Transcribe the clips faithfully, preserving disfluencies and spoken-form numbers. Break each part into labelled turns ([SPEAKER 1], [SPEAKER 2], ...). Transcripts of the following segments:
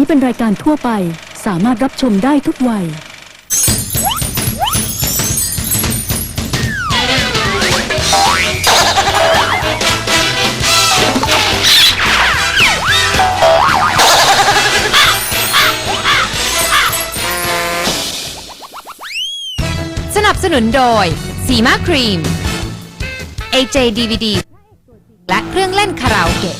[SPEAKER 1] เป็นรายการทั่วไปสามารถรับชมได้ทุกวัย
[SPEAKER 2] สนับสนุนโดยสีมาครีม เอ เจ ดี วี ดี และเครื่องเล่นคาราโอเกะ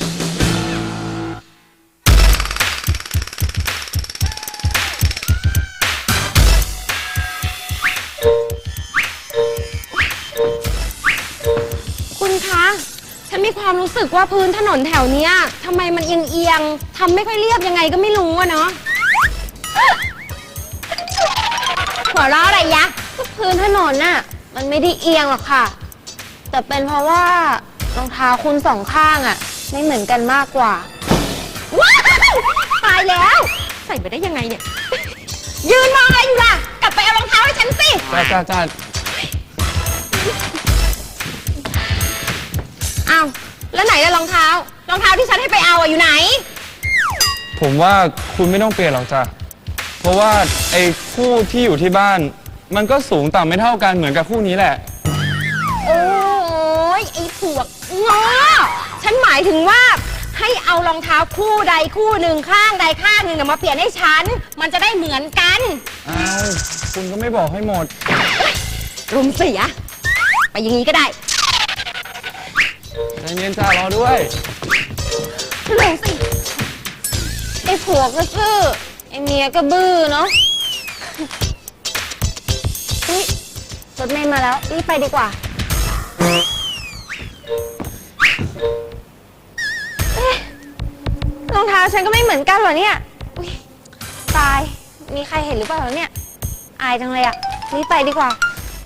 [SPEAKER 3] คุณคะฉันมีความรู้สึกว่าพื้นถนนแถวเนี้ยทำไมมันเอียงเอียงๆทำไม่ค่อยเรียบยังไงก็ไม่รู้อะเนาะหัวเราะอะไรยะพื้นถนนน่ะมันไม่ได้เอียงหรอกค่ะแต่เป็นเพราะว่ารองเท้าคุณสองข้างอะไม่เหมือนกันมากกว่าว้าวตายแล้วใส่ไปได้ยังไงเนี่ยยืนมองอะไรอยู่ล่ะกลับไปเอารองเท้าให้ฉันสิ
[SPEAKER 4] จ้าจ้าจ้า
[SPEAKER 3] อ้าวแล้วไหนล่ะรองเท้ารองเท้าที่ฉันให้ไปเอาอะอยู่ไหน
[SPEAKER 4] ผมว่าคุณไม่ต้องเปลี่ยนหรอกจ้ะเพราะว่าไอ้คู่ที่อยู่ที่บ้านมันก็สูงต่ำไม่เท่ากันเหมือนกับคู่นี้แหละ
[SPEAKER 3] โอ้ยไอ้พวกง้อฉันหมายถึงว่าให้เอารองเท้าคู่ใดคู่หนึ่งข้างใดข้างหนึ่งมาเปลี่ยนให้ฉันมันจะได้เหมือนกัน
[SPEAKER 4] อ้าวคุณก็ไม่บอกให้หมด
[SPEAKER 3] รุมเสียไปอย่างนี้ก็ได้
[SPEAKER 4] ใจเย็นจ้ารอด้วย
[SPEAKER 3] เร็วสิไอ้ผัวก็ซื่อไอ้เมียก็บื้อเนาะนี่รถเมล์มาแล้วรีบไปดีกว่าเอ๊ะรองเท้าฉันก็ไม่เหมือนกันเหรอเนี่ยอุ๊ยตายมีใครเห็นหรือเปล่าเนี่ยอายจังเลยอะรีบไปดีกว่า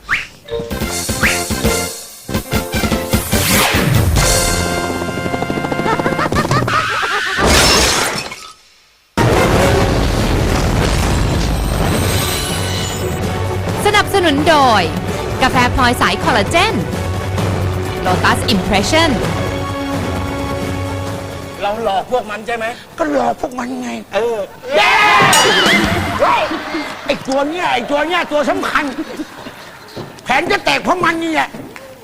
[SPEAKER 2] สนับสนุนโดยกาแฟพลอยสายคอลลาเจน Lotus Impression
[SPEAKER 5] เราหลอกพวกมันใช่ไหม
[SPEAKER 6] ก็หลอกพวกมันไง
[SPEAKER 5] เออ
[SPEAKER 6] แย่ไอ้ตัวเนี้ยไอ้ตัวเนี้ยตัวสำคัญแผนจะแตกเพราะมันนี่แหละ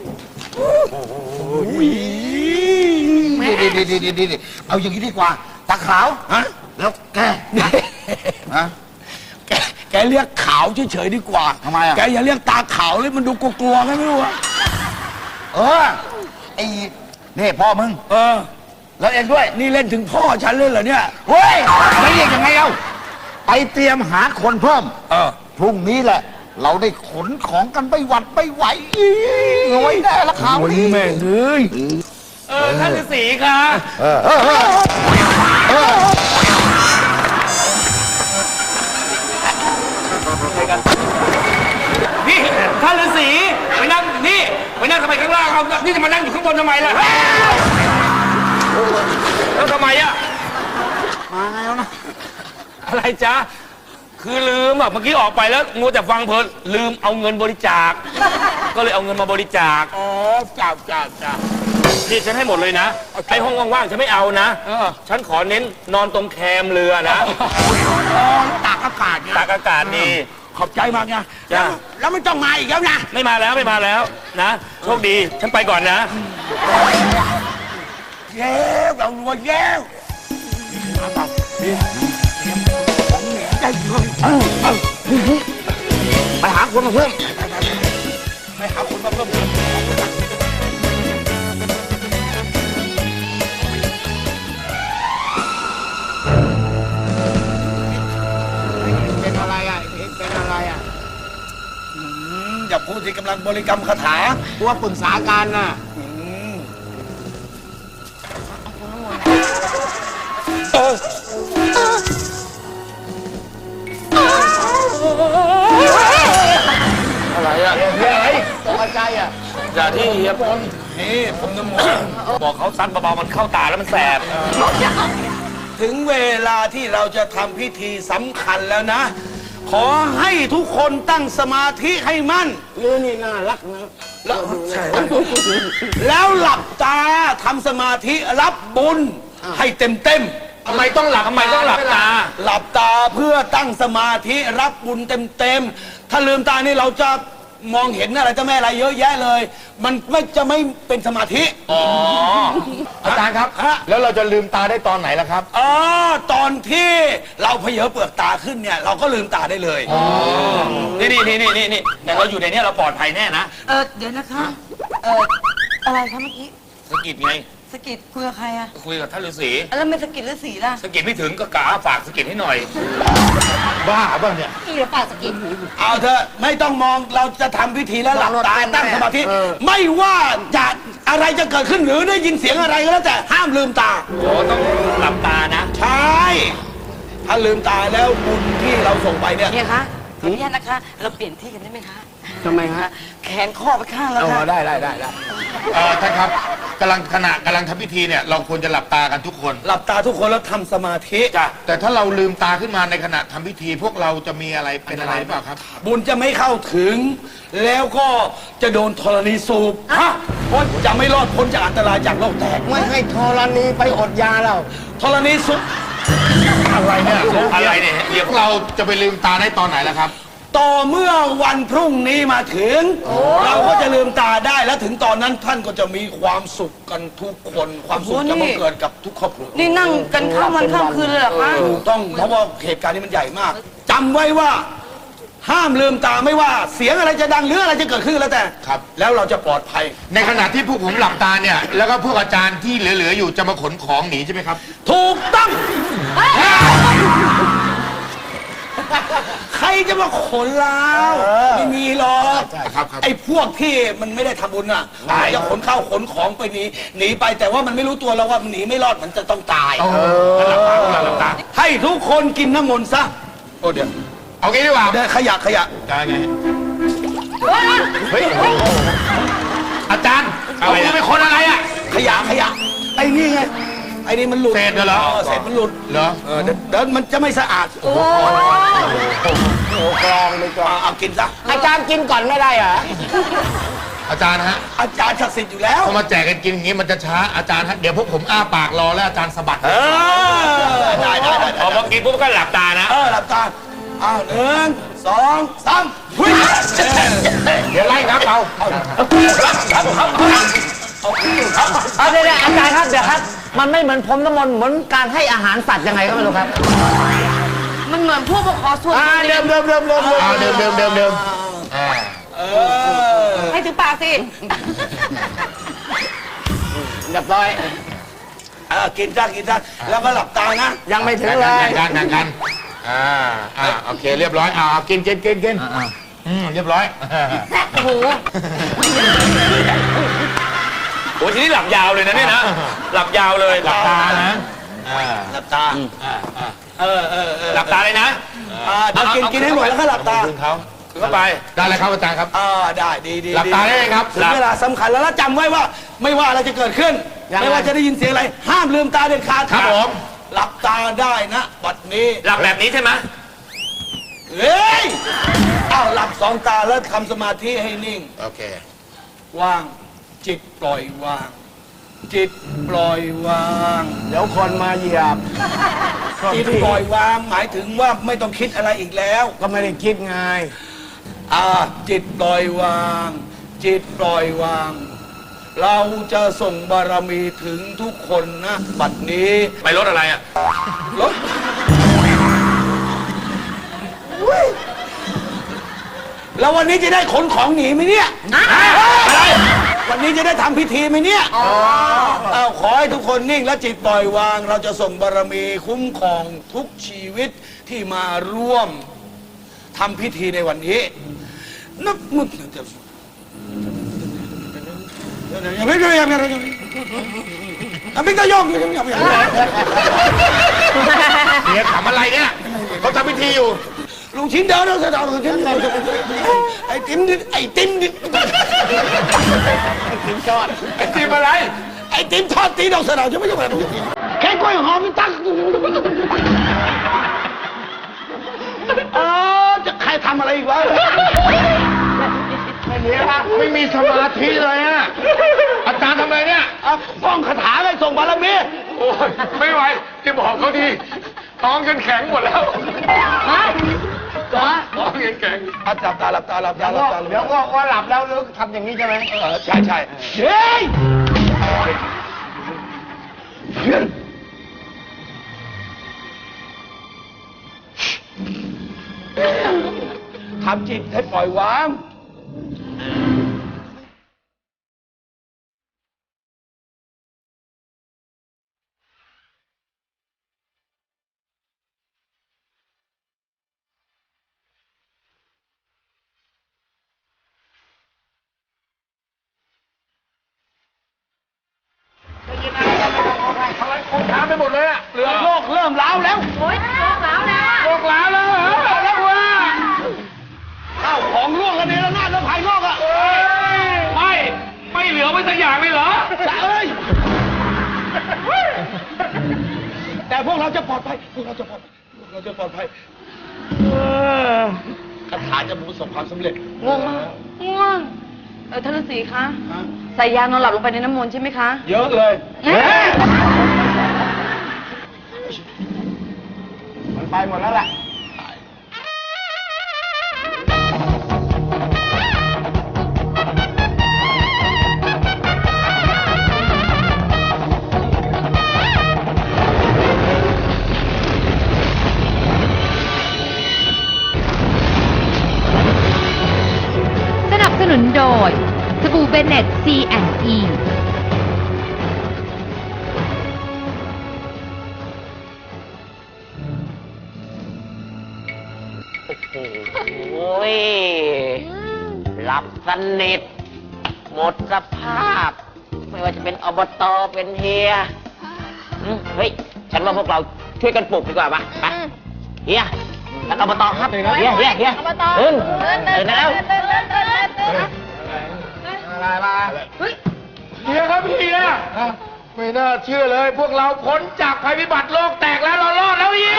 [SPEAKER 7] ดีดีดีดีดีดีเอาอย่างนี้ดีกว่าตาขาวฮะแล้วแกฮะ
[SPEAKER 6] แกแกเรียกขาวเฉยๆดีกว่า
[SPEAKER 7] ทำไมอ่ะ
[SPEAKER 6] แกอย่าเรียกตาขาวเลยมันดูกลัวๆไงไม่รู้อะ
[SPEAKER 7] เออไอ้นี่พ่อมึง
[SPEAKER 6] เออ
[SPEAKER 7] แล้วเองด้วย
[SPEAKER 6] นี่เล่นถึงพ่อฉันเลยเหรอเนี่ย
[SPEAKER 7] เฮ้ยไม่เรียกยังไงเอาไปเตรียมหาคนเพิ่ม
[SPEAKER 6] เออ
[SPEAKER 7] พรุ่งนี้แหละเราได้ขนของกันไปหวัดไปไหวรวยแน่ละข่าว
[SPEAKER 6] นี้แม่เอ้ย
[SPEAKER 5] เออท่านฤาษีค่ะ
[SPEAKER 7] เออเออเออ
[SPEAKER 5] นี่ท่านฤาษีไปนั่งนี่ไปนั่งทำไมข้างล่างครับนี่จะมานั่งอยู่ข้างบนทำไมล่ะแล้วทำไมอ่ะ
[SPEAKER 7] มาไงแล้วนะ
[SPEAKER 5] อะไรจ๊ะคือลืมอ่ะเมื่อกี้ออกไปแล้วงูแต่ฟังเพลินลืมเอาเงินบริจาคก็เลยเอาเงินมาบริจาค
[SPEAKER 6] อ๋อจ้าจ้าจ้า
[SPEAKER 5] นี่ฉันให้หมดเลยนะไอ้ห้องว่างๆฉันไม่เอานะฉันขอเน้นนอนตรงแคมเรือนะ
[SPEAKER 6] ตากอากาศ
[SPEAKER 5] ตากอากาศดี
[SPEAKER 6] ขอบใจมากนะแล้วไม่ต้องมาอีกแล้วนะ
[SPEAKER 5] ไม่มาแล้วไม่มาแล้วนะโชคดีฉันไปก่อนนะ
[SPEAKER 6] เย้เรารวยเย้
[SPEAKER 7] ไปหาคนมาเพิ่ม
[SPEAKER 6] ไปหาคนมาเพิ่มเป็นอะไรอ่ะเป็นอะไรอ่ะอย่าพูดที่กำลังบริกรรมคาถาตัวปรึกษากันน่ะ
[SPEAKER 5] อะไรอ่ะ
[SPEAKER 6] เฮ้ยตกใจอ่ะ
[SPEAKER 5] อย่าที่เฮียผม
[SPEAKER 6] นี่ผมน้ำมนต์
[SPEAKER 5] บอกเขาซัดเบาๆมันเข้าตาแล้วมันแสบ
[SPEAKER 6] ถึงเวลาที่เราจะทำพิธีสำคัญแล้วนะขอให้ทุกคนตั้งสมาธิให้มั่นเรื่องนี้น่ารักนะแล้วแล้วหลับตาทำสมาธิรับบุญให้เต็มเต็ม
[SPEAKER 5] ทำไมต้องหลับทำไมต้องหลับตา
[SPEAKER 6] หลับตาเพื่อตั้งสมาธิรับบุญเต็มๆ ถ้าลืมตานี่เราจะมองเห็นอะไรเจ้าแม่อะไรเยอะแยะเลย มันไม่จะไม่เป็นสมาธิ
[SPEAKER 5] อ๋อ
[SPEAKER 7] อาจารย์ครับ
[SPEAKER 6] ฮะ
[SPEAKER 7] แล้วเราจะลืมตาได้ตอนไหนล่ะครับ
[SPEAKER 6] อ๋อตอนที่เราเผยเปลือกตาขึ้นเนี่ยเราก็ลืมตาได้เลย
[SPEAKER 5] นี่นี่นี่นี่นี่แต่เราอยู่ในนี้เราปลอดภัยแน่นะ
[SPEAKER 8] เออเดี๋ยวนะคะ เอออะไรคะเมื่อกี้
[SPEAKER 5] สะกิดไง
[SPEAKER 8] สะกิดคุยกับใครอะ
[SPEAKER 5] คุยกับท่านฤาษี
[SPEAKER 8] แล้วไม่สะกิดฤาษีล่ะ
[SPEAKER 5] สะกิดไม่ถึงก็กะฝากสะกิดให้หน่อย
[SPEAKER 7] บ้าบ้าเนี่ย
[SPEAKER 3] นี่เดี๋ยวปากสะกิด
[SPEAKER 6] เอาเถอะไม่ต้องมองเราจะทำพิธีแล้วหลับตาตั้งสมาธิ ไม่ว่าจะอะไรจะเกิดขึ้นหรือได้ยินเสียงอะไรก็แล้วแต่ห้ามลืมตา
[SPEAKER 5] โอ้ต้องหลับตานะ
[SPEAKER 6] ใช่ ถ้าลืมตาแล้วบุญที่เราส่งไปเนี่ย
[SPEAKER 8] เนี่ยคะขออนุญาตนะคะ เราเปลี่ยนที่กันได้ไหมคะ
[SPEAKER 6] ทำไมฮะ
[SPEAKER 8] แขนข้อไปข้างแล้วค่ะ
[SPEAKER 6] ได้ได้ได้ได้
[SPEAKER 7] เออท่านครับกำลังขณะกำลังทำพิธีเนี่ยเราควรจะหลับตากันทุกคน
[SPEAKER 6] หลับตาทุกคนแล้วทำสมาธิ
[SPEAKER 7] แต่ถ้าเราลืมตาขึ้นมาในขณะทำพิธี พวกเราจะมีอะไรเป็นอะไรหรือเปล่าครับ
[SPEAKER 6] บุญจะไม่เข้าถึง แล้วก็จะโดนธรณีสูบฮะพ้นจะไม่รอดพ้นจากอันตรายจากโลกแตก
[SPEAKER 7] ไม่ให้ธรณีไปอดยาเรา
[SPEAKER 6] ธรณีสูบ
[SPEAKER 7] อะไรเนี่ย
[SPEAKER 5] อะไรเนี่ย
[SPEAKER 7] เดี๋ยวเราจะไปลืมตาได้ตอนไหนล่ะครับ
[SPEAKER 6] ต่อเมื่อวันพรุ่งนี้มาถึง เราก็จะลืมตาได้และถึงตอนนั้นท่านก็จะมีความสุขกันทุกคน ความสุขจะบังเกิดกับทุกครอบครัว
[SPEAKER 8] นี่นั่งกันข้ามวันข้ามคืนเลยเหรอคะ
[SPEAKER 6] ถูกต้องเพราะว่าเหตุการณ์นี้มันใหญ่มากจำไว้ว่า ห้ามลืมตาไม่ว่าเสียงอะไรจะดังหรืออะไรจะเกิดขึ้นก็แล้วแต่
[SPEAKER 7] ครับ
[SPEAKER 6] แล้วเราจะปลอดภัย
[SPEAKER 7] ในขณะที่พวกผมหลับตาเนี่ย แล้วก็พวกอาจารย์ที่เหลือๆอยู่จะมาขนของหนีใช่ไหมครับ
[SPEAKER 6] ถูกต้อง ใครจะมาขนเราไม่มีหรอก
[SPEAKER 7] ใช่ครับครับ
[SPEAKER 6] ไอ้พวกที่มันไม่ได้ทำบุญอ่ะจะขนข้าวขนของไปหนีหนีไปแต่ว่ามันไม่รู้ตัวแล้วว่ามันหนีไม่รอดมันจะต้องตายหลับตาหลับตาให้ทุกคนกินน้ำมนต์ซะโอ้เดี๋ยว
[SPEAKER 7] เอางี้ดีกว่า
[SPEAKER 6] เดี๋ยวขยะขยะ
[SPEAKER 7] ได้ไงเฮ้ยอาจารย์เอามือไปคนอะไรอ่ะ
[SPEAKER 6] ขยะขยะไอ้นี่ไงไอ้นี่มันหลุด
[SPEAKER 7] เศษเหรอ
[SPEAKER 6] เศษมันหลุด
[SPEAKER 7] เหรอ
[SPEAKER 6] เออเดี๋ยวเดี๋ยวมันจะไม่สะอาดโอ้กรองเลยกรองเอากินซะ
[SPEAKER 7] อาจารย์กินก่อนไม่ได้เหรออาจารย์ฮะ
[SPEAKER 6] อาจารย์ศักดิ์สิทธิ์อยู่แล้ว
[SPEAKER 7] พอมาแจกกันกินอย่างนี้มันจะช้าอาจารย์ฮะเดี๋ยวพวกผมอ้าปากรอแล้วอาจารย์สะบัด
[SPEAKER 6] เออได้ได้ได้
[SPEAKER 5] พอมากินปุ๊บก็หลับตานะ
[SPEAKER 6] เออหลับตาอ้าวหนึ่งสองสามวิ่ง
[SPEAKER 7] เดี๋ยวไล่ครับเอา
[SPEAKER 9] เอาเดี๋ยวๆอาจารย์ครับเดี๋ยวครับ มันไม่เหมือนพรมน้ำมนต์เหมือนการให้อาหารสัตว์ยังไงก็ไม่รู้ครับ
[SPEAKER 8] มันเหมือนพวกมาขอส่วน
[SPEAKER 9] อ่าเดิมเดิมเดิมเดิมเดิม
[SPEAKER 7] เอาเดิมเดิมเดิมเดิมอ่า
[SPEAKER 6] เออ
[SPEAKER 8] ให้ถึงปากสิ
[SPEAKER 9] เรียบร้อย
[SPEAKER 6] เออกินซะกินซะแล้วก็หลับตานะ
[SPEAKER 9] ยังไม่ถึง
[SPEAKER 7] แบ่ง
[SPEAKER 9] เล
[SPEAKER 7] กัน
[SPEAKER 9] ย
[SPEAKER 7] แบ่งกันแบ่งกันอ่าอ่าโอเคเรียบร้อยอ่ากินกินกินกินอืมเรียบร้อย
[SPEAKER 8] โอ้โห
[SPEAKER 5] โอ้ทีนี้หลับยาวเลยนะเนี่ยนะ หลับยาวเลย
[SPEAKER 7] หลับตานะอ่า
[SPEAKER 6] หลับตา
[SPEAKER 7] อ่าอ่า
[SPEAKER 6] เออเออเออ
[SPEAKER 5] หลับตาเลยนะ
[SPEAKER 6] อ่าเดี๋ยวกินกินให้หมดแล้วก็หลับตา
[SPEAKER 7] คืนเขา
[SPEAKER 5] ถึงเข้าไป
[SPEAKER 7] ได้เลยครับอาจารย์ครับ
[SPEAKER 6] อ่าได้ดีดี
[SPEAKER 7] หลับตาได้เลยครับ
[SPEAKER 6] ถึงเวลาสำคัญแล้วแล้วจำไว้ว่า ไม่ว่าอะไรจะเกิดขึ้น
[SPEAKER 9] ยังไง
[SPEAKER 6] ไม่ว่าจะได้ยินเสียงอะไร ห้ามลืมตาเด็ดขาด
[SPEAKER 7] ครับผม
[SPEAKER 6] หลับตาได้นะบัดนี้
[SPEAKER 5] หลับแบบนี้ใช่ไหม
[SPEAKER 6] เฮ้ยอ้าวหลับสองตาแล้วทำสมาธิให้นิ่ง
[SPEAKER 7] โอเค
[SPEAKER 6] ว่าง จิตปล่อยวาง จิตปล่อยวาง
[SPEAKER 9] เดี๋ยวคนมาเหยียบ
[SPEAKER 6] จิตปล่อยวาง หมายถึงว่าไม่ต้องคิดอะไรอีกแล้ว
[SPEAKER 9] ก็ไม่ได้คิดไง
[SPEAKER 6] อ่าจิตปล่อยวาง จิตปล่อยวาง เราจะส่งบารมีถึงทุกคนนะบัดนี้
[SPEAKER 5] ไปรถอะไรอ่ะ
[SPEAKER 6] รถอุ๊ยแล้ววันนี้จะได้ขนของหนีไหมเนี่ยอะไรวันนี้จะได้ทำพิธีไหมเนี่ยเอาขอให้ทุกคนนิ่งและจิตปล่อยวาง เราจะส่งบารมีคุ้มครองทุกชีวิตที่มาร่วมทำพิธีในวันนี้นับมุดยังไม่ยังยังยังยังไม่ต้องยกยังยังยัง
[SPEAKER 7] เดี๋ยวทำอะไรเนี่ยเขาทำพิธีอยู่
[SPEAKER 6] ลุงชิ้นเดินเราจะเอาชิ้นเดินไอ้ติ้มไอ้ติ้มไอ้ติ้มทอดไอ้ติ้มอะไรไอ้ติ้มทอดตีดอกสะเดาจะไม่ใช่แบบแค่กล้วยหอมตั้งเออจะใครทำอะไรอีกวะ
[SPEAKER 7] ไม่มีครับไม่มีสมาธิเลยอะอาจารย์ทำอะไรเนี่ย
[SPEAKER 6] อ่ะป้องคาถาไปส่งบารมี
[SPEAKER 5] โอ้อ้ยไม่ไหวที่บอกเขาทีท้องกันแข็งหมดแล้วฮะท้องกันแข็ง
[SPEAKER 6] อ่ะหลับตาหลับตาหลับตาหลับตา
[SPEAKER 9] เดี๋ยวก็ว่าหลับแล้วลึกทำอย่างนี้ใช่ไหม
[SPEAKER 6] เออใช่ใช่เฮ้ยทำจิตให้ปล่อยวาง
[SPEAKER 5] อะไรคงช้าไปหมดเลยอะเหลือ
[SPEAKER 6] โลกเริ่มร้าวแล้ว
[SPEAKER 3] โอ๊ยโลกแล้วแล้วอะ
[SPEAKER 5] โลกแล้วแล้วเหรอแล้วว่า
[SPEAKER 6] ข้าวของร่วงกันในระนาดแล้วภายนอกอ่ะ
[SPEAKER 5] เอ้ยไม่ไม่เหลือไว้สักอย่างเลยเหรอ
[SPEAKER 6] จะเอ้ย แต่พวกเราจะปลอดภัย พวกเราจะปลอดภัย พวกเราจะปลอดภัยคาถาจะประสบความสำเร็จ
[SPEAKER 8] ง่วงมากง่วง เออท่านฤาษีคะ ใส่ยานอนหลับลงไปในน้ำมนต์ใช่ไหมคะ
[SPEAKER 6] เยอะเลย
[SPEAKER 8] เอ๊ะ
[SPEAKER 9] มันไปหมดแล้วแหละ
[SPEAKER 2] สนับสนุนโดยสบู่เบเน็ต ซี แอนด์ อี
[SPEAKER 9] โอ้ย หลับสนิท หมดสภาพ ไม่ว่าจะเป็นอบตเป็นเฮียอืมเฮ้ย ฉันว่าพวกเราช่วยกันปลุกดีกว่าปะไปเฮียท่านอบตครับ เฮียเฮียเฮีย
[SPEAKER 3] อบต
[SPEAKER 9] ตื่น
[SPEAKER 3] ตื่น
[SPEAKER 9] ตื่นได้แล้ว
[SPEAKER 3] ตื่นตื่นตื่นตื่น
[SPEAKER 9] อะไรมา
[SPEAKER 5] เฮียครับเฮียไม่น่าเชื่อเลย พวกเราพ้นจากภัยพิบัติโลกแตกแล้วเรารอดแล้วเฮีย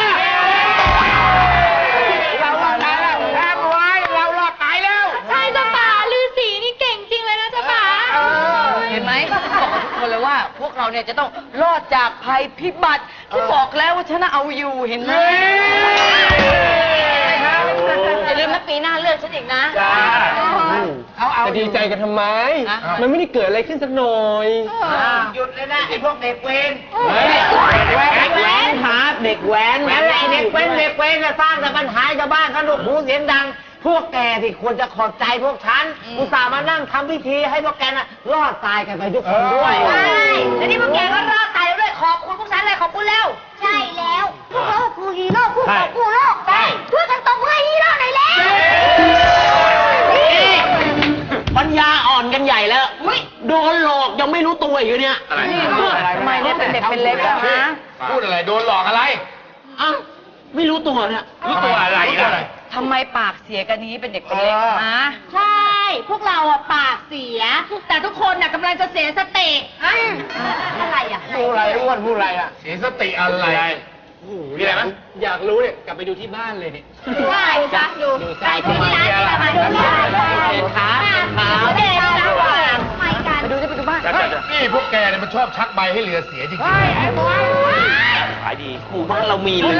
[SPEAKER 5] เรารอดตายแล้วแทบไว้เรารอดตายแล้ว
[SPEAKER 3] ใช่จ้ะป่าฤาษีนี่เก่งจริงเลยนะจ้ะป่า
[SPEAKER 8] เห็นไหมบอกกับทุกคนเลยว่า พวกเราเนี่ยจะต้องรอดจากภัยพิบัติที่บอกแล้วว่าฉันน่ะเอาอยู่เห็นไหมอย่าลืมนะปีหน้าเลือกฉันอีกนะ
[SPEAKER 5] จ้า
[SPEAKER 9] เอาเอา
[SPEAKER 10] จะดีใจกันทำไม
[SPEAKER 8] ฮะ
[SPEAKER 10] มันไม่ได้เกิดอะไรขึ้นสักหน่อย
[SPEAKER 9] หยุดเลยนะไอ้พวกเด็กเวร
[SPEAKER 10] เฮ้ย
[SPEAKER 9] เด็กแว้นครับเด็กแว้นนั่นแหละไอ้เด็กเว้นเด็กเว้นจะสร้างแต่ปัญหาชาวบ้านสนุกหูเสียงดัง พวกแกที่ควรจะขอบใจพวกฉันอุตส่าห์มานั่งทำพิธีให้พวกแกน่ะรอดตายกันไปทุกคนด้วย
[SPEAKER 3] ใช่แล้วนี่พวกแกก็รอดตายแล้วด้วยขอบคุณพวกฉันเลยขอบคุณแล้ว ใช่แล้ว พวกเราคือฮีโร่ผู้ปกป้องโลกใช่ช่วยกันตบมือให้ฮีโร่หน่อยแล้ว
[SPEAKER 9] ปัญญาอ่อนกันใหญ่แล้ว โดนหลอกยังไม่รู้ตัวอยู่เนี่ย
[SPEAKER 8] ทำไมเนี่ยเป็นเด็กเป็นเล็กอะฮะ
[SPEAKER 5] พูดอะไรโดนหลอกอะไร
[SPEAKER 9] อ้าวไม่รู้ตัวเนี่ย
[SPEAKER 5] รู้ตัวอะไรล่ะ
[SPEAKER 8] ทำไมปากเสียกันนี้เป็นเด็กเป็นเล็กฮะ
[SPEAKER 3] ใช่ พวกเราอะปากเสีย แต่ทุกคนน่ะกำลังจะเสียสติอะไรอะ
[SPEAKER 9] พูดอะไรอ้วนพูดอะไรอ่ะ
[SPEAKER 5] เสียสติอะไรมีอะไรไหม
[SPEAKER 10] อยากรู้เนี่ย กลับไปดูที่บ้านเลยเนี่ย
[SPEAKER 3] ใช่จ้ะดูไปที่ร้านที่มาดูที่ร้าน
[SPEAKER 9] เห็นขาเห็นขา
[SPEAKER 3] เด็กนะไปกัน
[SPEAKER 8] ไปดูที่ไปดูบ้าน
[SPEAKER 5] นี่พวกแกเนี่ยมันชอบชักใบให้เรือเสียจริงๆ
[SPEAKER 9] ขายดีหมู่บ้านเรามีเลย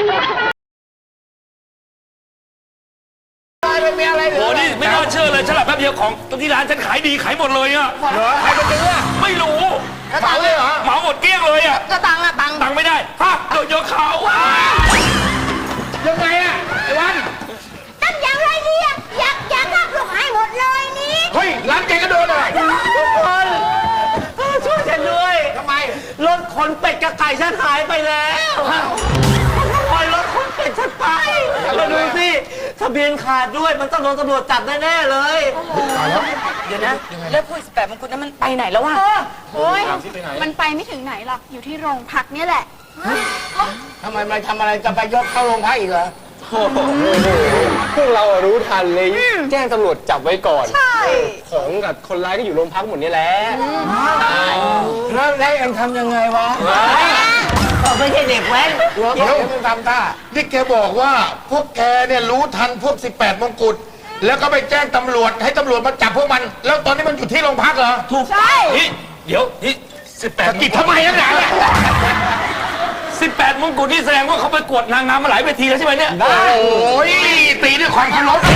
[SPEAKER 5] โอ้นี่ไม่น่าเชื่อเลยฉลาดแป๊บเดียวของที่ร้านฉันขายดีขายหมดเลยอะเหรอใครเป็นเนื้อไม่รู้เหมาเลยเหรอเหมาหมดเกลี้ยงเลยอะ
[SPEAKER 8] ก็ตังค์อะตังค์
[SPEAKER 5] ตังค์ไม่ได้ฮะโดนโยกเขายังไงอะไอ้วัน
[SPEAKER 3] ตั้งอย่างไรดีอะอยากอยากรับลูกให้หมดเลยนี่
[SPEAKER 5] เฮ้ยร้านแกก็โดนเลย
[SPEAKER 9] ทุกคนช่วยฉันด้วยทำไมรถขนเป็ดกับไก่ฉันหายไปแล้วปล่อยรถขนเป็ดฉันไปแล้วดูสิทะเบียนขาดด้วยมันต้องโดนตำรวจจับแน่ๆเลย
[SPEAKER 8] เดี๋ยวนะ แล้วพวกสิบแปดมงกุฎนั้นมันไปไหนแล้ววะ
[SPEAKER 3] โอ้ยมันไปไม่ถึงไหนหรอก อยู่ที่โรงพักเนี่ยแหละ
[SPEAKER 9] ทำไมมาทำอะไรจะไปยกเข้าโรงพักอีกเหรอ
[SPEAKER 10] พวกเราอะรู้ทันเลย แจ้งตำรวจจับไว้ก่อน ใช่ ของกับคนร้ายก็อยู่โรงพักหมดนี่แหละ
[SPEAKER 9] แล้วแล้วยังทำยังไงวะไม่ใช่เด็กแว้น
[SPEAKER 6] เดี๋ยวมึงทำท่านี่แกบอกว่าพวกแกเนี่ยรู้ทันพวกสิบแปดมงกุฎแล้วก็ไปแจ้งตำรวจให้ตำรวจมาจับพวกมัน แล้วตอนนี้มันอยู่ที่โรงพักเหรอ
[SPEAKER 9] ถูก
[SPEAKER 5] นี่เดี๋ยวนี่สิบแปดกิจทำไมนักหนาเนี่ยสิบแปดมงกุฎนี่แสดงว่าเขาไปกวดนางงามมาหลายเวทีแล้วใช่ไหมเนี่ยโอ้ยตีด้วยความเคารพ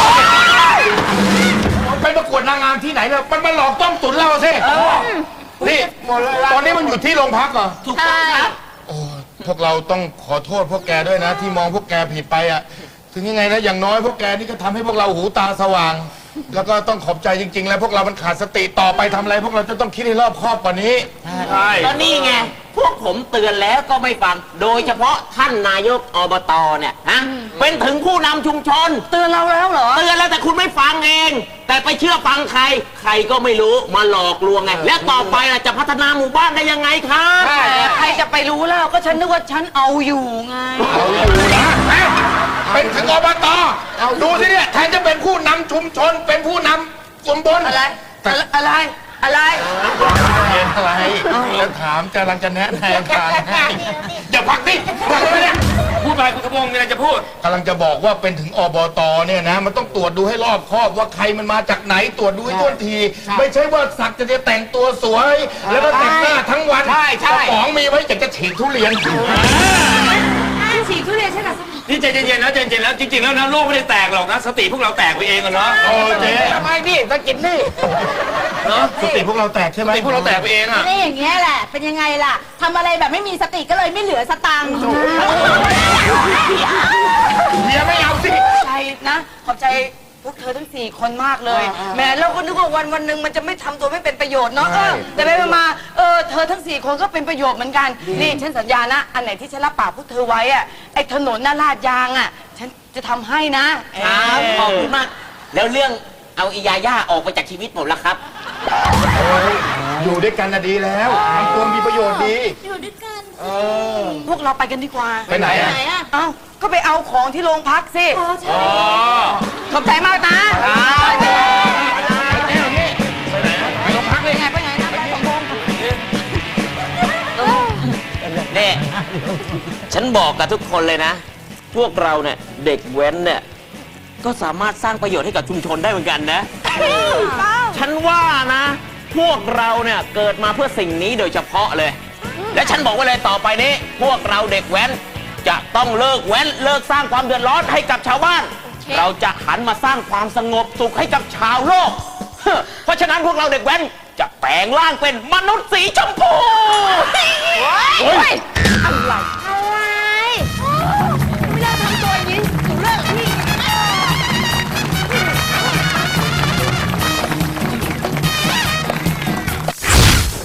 [SPEAKER 5] ไปประกวดนางงามที่ไหนเนี่ยมันมาหลอกต้มตุ๋นเราสินี่ตอนนี้มันอยู่ที่โรงพักเหรอ
[SPEAKER 8] ถูกต้องครับ
[SPEAKER 7] พวกเราต้องขอโทษพวกแกด้วยนะ ที่มองพวกแกผิดไปอ่ะ ถึงยังไงนะอย่างน้อยพวกแกนี่ก็ทำให้พวกเราหูตาสว่าง แล้วก็ต้องขอบใจจริง ๆ แล้วพวกเรามันขาดสติต่อไปทำอะไร พวกเราจะต้องคิดให้รอบคอบกว่านี้
[SPEAKER 5] ใช่
[SPEAKER 9] ตอนนี้ไง พวกผมเตือนแล้วก็ไม่ฟัง โดยเฉพาะท่านนายกอบตเนี่ยฮะเป็นถึงผู้นำชุมชน
[SPEAKER 8] เตือนเราแล้วเหรอ
[SPEAKER 9] เตือนแล้วแต่คุณไม่ฟังเอง แต่ไปเชื่อฟังใคร ใครก็ไม่รู้มาหลอกลวงไง และต่อไปล่ะจะพัฒนาหมู่บ้านได้ยังไงครับ
[SPEAKER 8] แต่ใครจะไปรู้แล้วก็ฉันนึกว่าฉันเอาอยู่ไง
[SPEAKER 7] เป็นถึงอบตดูสิเนี่ยแทนจะเป็นผู้นำชุมชน เป็นผู้นำตำบล
[SPEAKER 8] อะไร อะไร อะไร
[SPEAKER 7] อะไรจะถามกำลังจะแนะแนวทางให้
[SPEAKER 5] อย่าพักดิพักไปเนี่ยพูดไปคุณกระพงมีอะไรจะพูด
[SPEAKER 7] กำลังจะบอกว่าเป็นถึงอบตเนี่ยนะ มันต้องตรวจดูให้รอบคอบว่าใครมันมาจากไหนตรวจดูให้ต้นที ไม่ใช่ว่าสักจะจะแต่งตัวสวย แล้วก็แต่งหน้าทั้งวัน
[SPEAKER 5] ใช่ใช่
[SPEAKER 7] กระป๋องมีไว้อยากจะฉีกทุเรียน
[SPEAKER 3] ฉีกทุเรียนใช่ไหม
[SPEAKER 5] นี่ใจเย็นๆนะใจเย็นๆแล้วจริงๆแล้วนะโลกไม่ได้แตกหรอกนะสติพวกเราแตกไปเองอะเนาะ
[SPEAKER 7] โอ้เจ๊
[SPEAKER 5] ทำไมนี่ตะกินนี่เนาะ
[SPEAKER 7] สติพวกเราแตกใช่ไห
[SPEAKER 5] ส
[SPEAKER 7] ม
[SPEAKER 5] ติพวกเราแตกไปเองอะ
[SPEAKER 3] นี่อย่างเงี้ยแหละ เป็นยังไงล่ะ ทำอะไรแบบไม่มีสติก็เลยไม่เหลือสตังค์
[SPEAKER 7] เมียไม่เอาสิ
[SPEAKER 8] ใจนะ ขอบใจพวกเธอทั้งสี่คนมากเลยแหมเราก็นึกว่าวันวันหนึ่งมันจะไม่ทำตัวไม่เป็นประโยชน์เนาะเออแต่ไปมาเออเธอทั้งสี่คนก็เป็นประโยชน์เหมือนกัน นี่ฉันสัญญานะ อันไหนที่ฉันรับปากพวกเธอไว้อะไอ้ถนนหน้าลาดยางอะฉันจะทำให้นะครับ
[SPEAKER 9] ขอบคุณมาก แล้วเรื่องเอาอียาย่าออกไปจากชีวิตผมแล้วครับ
[SPEAKER 7] อยู่ด้วยกันนะดีแล้วทำตัวมีประโยชน์ดี
[SPEAKER 3] อยู่ด้วยกัน
[SPEAKER 8] พวกเราไปกันดีกว่า
[SPEAKER 7] ไปไหนอะ
[SPEAKER 3] ไหนอ่ะ
[SPEAKER 8] เอ้าก็ไปเอาของที่โรงพักสิ
[SPEAKER 3] อ๋อใช่
[SPEAKER 5] อ๋อ
[SPEAKER 8] ขอบใจมากนะ
[SPEAKER 9] นี่ฉันบอกกับทุกคนเลยนะ พวกเราเนี่ยเด็กแว้นเนี่ยก็สามารถสร้างประโยชน์ให้กับชุมชนได้เหมือนกันนะ ฉันว่านะ พวกเราเนี่ยเกิดมาเพื่อสิ่งนี้โดยเฉพาะเลย และฉันบอกไว้เลยต่อไปนี้ พวกเราเด็กแว้นจะต้องเลิกแว้นเลิกสร้างความเดือดร้อนให้กับชาวบ้าน เราจะหันมาสร้างความสงบสุขให้กับชาวโลก เพราะฉะนั้นพวกเราเด็กแว้นจะแปลงร่างเป็นมนุษย์สีชมพู